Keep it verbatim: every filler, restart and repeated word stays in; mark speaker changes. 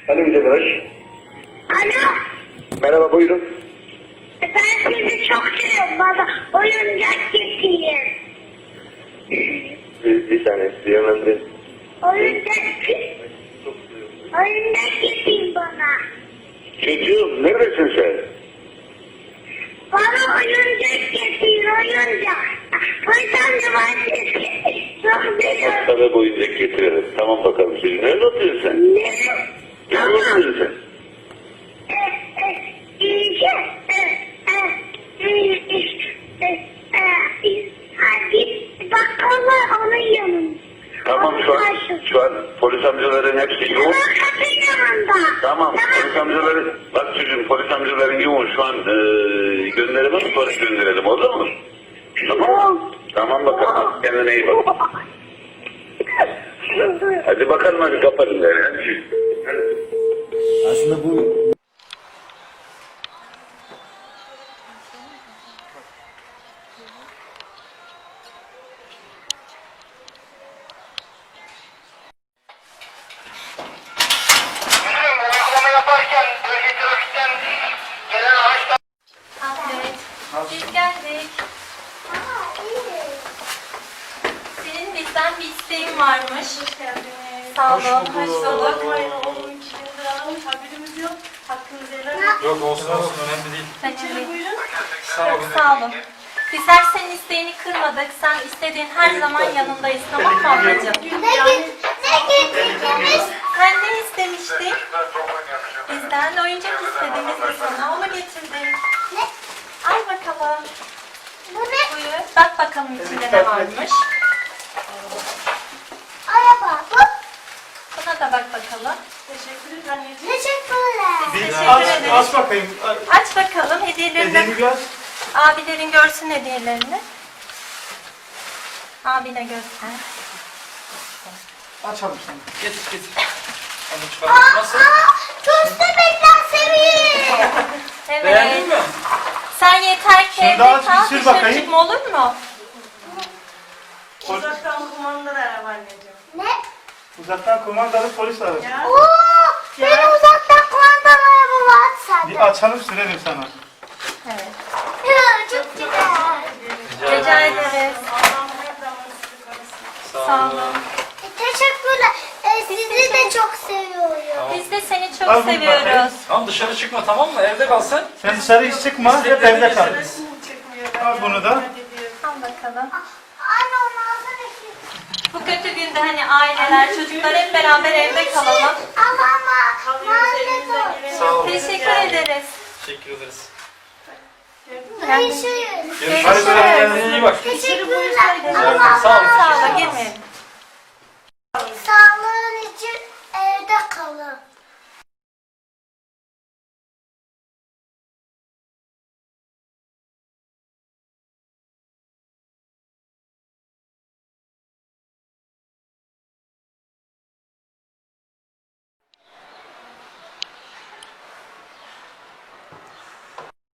Speaker 1: Alo Güzel Barış.
Speaker 2: Alo.
Speaker 1: Merhaba buyurun.
Speaker 2: Ben sizi çok seviyorum. Bana oyuncak getirin.
Speaker 1: Bir, bir saniye sizi yönlendireyim.
Speaker 2: Oyuncak Oyuncak getirin bana.
Speaker 1: Çocuğum neredesin sen?
Speaker 2: Bana oyuncak getirin oyuncak. Polis amca ben sizi çok seviyorum.
Speaker 1: Sana bu oyuncak getirelim. Tamam bakalım çocuğum. Nerede oturuyorsun sen?
Speaker 2: Ne?
Speaker 1: Nerede oturuyorsun sen?
Speaker 2: E, e, İyice. E, e, e, e, e, e, Hadi bakkal var onun yanında.
Speaker 1: Tamam şu an, şu an polis amcaların hepsi yoğun.
Speaker 2: Kapının yanında.
Speaker 1: Tamam polis amcaları, bak çocuğum polis amcaların yoğun şu an e, gönderelim sonra gönderelim olur mu? Tamam. Tamam bakalım kendine iyi bak. Hadi bakalım hadi kapatın da yani.
Speaker 3: Aslında bu
Speaker 4: Uygulama yaparken bölge trafikten gelen araçlar...
Speaker 5: Evet. Biz geldik. Senin bizden bir isteğin varmış. Hoş geldiniz. Sağ olun. Hoş bulduk.
Speaker 6: Bakmayın oğlum iki gündür aramış haberimiz yok. Hakkınızı helal edin.
Speaker 3: yok olsun olsun önemli değil.
Speaker 5: Önemli.
Speaker 6: Buyurun.
Speaker 3: Sağ olun.
Speaker 5: Sağ olun. Bizler senin isteğini kırmadık. Sen istediğin her zaman yanındayız. Tamam mı ablacığım?
Speaker 6: Yani
Speaker 5: Sen ne istemiştin? Bizden oyuncak istediğimiz bir sana onu getirdik.
Speaker 2: Ne?
Speaker 5: Al bakalım.
Speaker 2: Bu ne?
Speaker 5: Buyur. Bak bakalım içinde ne varmış.
Speaker 2: Araba. Bu.
Speaker 5: Buna da bak bakalım.
Speaker 6: teşekkür ederim anneciğim.
Speaker 2: Teşekkürler.
Speaker 5: Biz
Speaker 3: Bir
Speaker 5: teşekkür
Speaker 3: aç,
Speaker 5: ederiz.
Speaker 3: aç bakayım.
Speaker 5: Aç bakalım hediyelerini.
Speaker 3: Hediyeni gör.
Speaker 5: Abilerin görsün hediyelerini. Abine göster.
Speaker 3: Açalım sen. Getir getir. Hadi
Speaker 2: Aa,
Speaker 3: çıkalım. Nasıl?
Speaker 2: aa, köstebekler seviyor.
Speaker 5: Evet.
Speaker 3: Beğendin mi?
Speaker 5: Sen yeter ki
Speaker 3: Şimdi
Speaker 5: evde
Speaker 3: aç,
Speaker 5: kal,
Speaker 3: bir sür
Speaker 5: dışarı
Speaker 3: bakayım.
Speaker 5: çıkma olur mu?
Speaker 6: Uzaktan kumandalı araba anneciğim.
Speaker 2: Ne?
Speaker 3: Uzaktan kumandalı polis aracı.
Speaker 6: Ya.
Speaker 2: Oo, benim uzaktan kumandalı araba var
Speaker 3: Bir
Speaker 2: sende.
Speaker 3: açalım sürelim sana.
Speaker 5: Evet.
Speaker 2: Ya, çok güzel.
Speaker 5: Rica ederiz.
Speaker 6: Allah'ım her zaman sizi korusun.
Speaker 5: Sağ olun.
Speaker 2: E, Teşekkürler. E, sizi de çok seviyorum.
Speaker 5: Biz de seni çok
Speaker 3: Al bunu
Speaker 5: seviyoruz.
Speaker 3: bakayım.
Speaker 7: Tamam dışarı çıkma tamam mı? Evde kal sen.
Speaker 3: Sen dışarı hiç çıkma. Hep evde kal.
Speaker 6: Resim çıkmıyor.
Speaker 3: Al bunu da.
Speaker 5: Al bakalım.
Speaker 2: Anne onu alsana ki.
Speaker 5: Bu kötü günde hani aileler, çocuklar hep beraber evde kalalım.
Speaker 2: Ama ama
Speaker 6: Alıyoruz elimizden
Speaker 2: maalesef.
Speaker 6: geleni.
Speaker 7: Sağ olun.
Speaker 5: Teşekkür ederiz.
Speaker 7: Teşekkür ederiz.
Speaker 2: Görüşürüz.
Speaker 3: Görüşürüz.
Speaker 7: Hadi böyle kendine iyi bak.
Speaker 2: Teşekkürler.
Speaker 7: Sağ olun.
Speaker 2: Ama
Speaker 7: Sağ olun.
Speaker 5: Sağ ol, girmeyelim.
Speaker 2: sağlığın için evde kalın.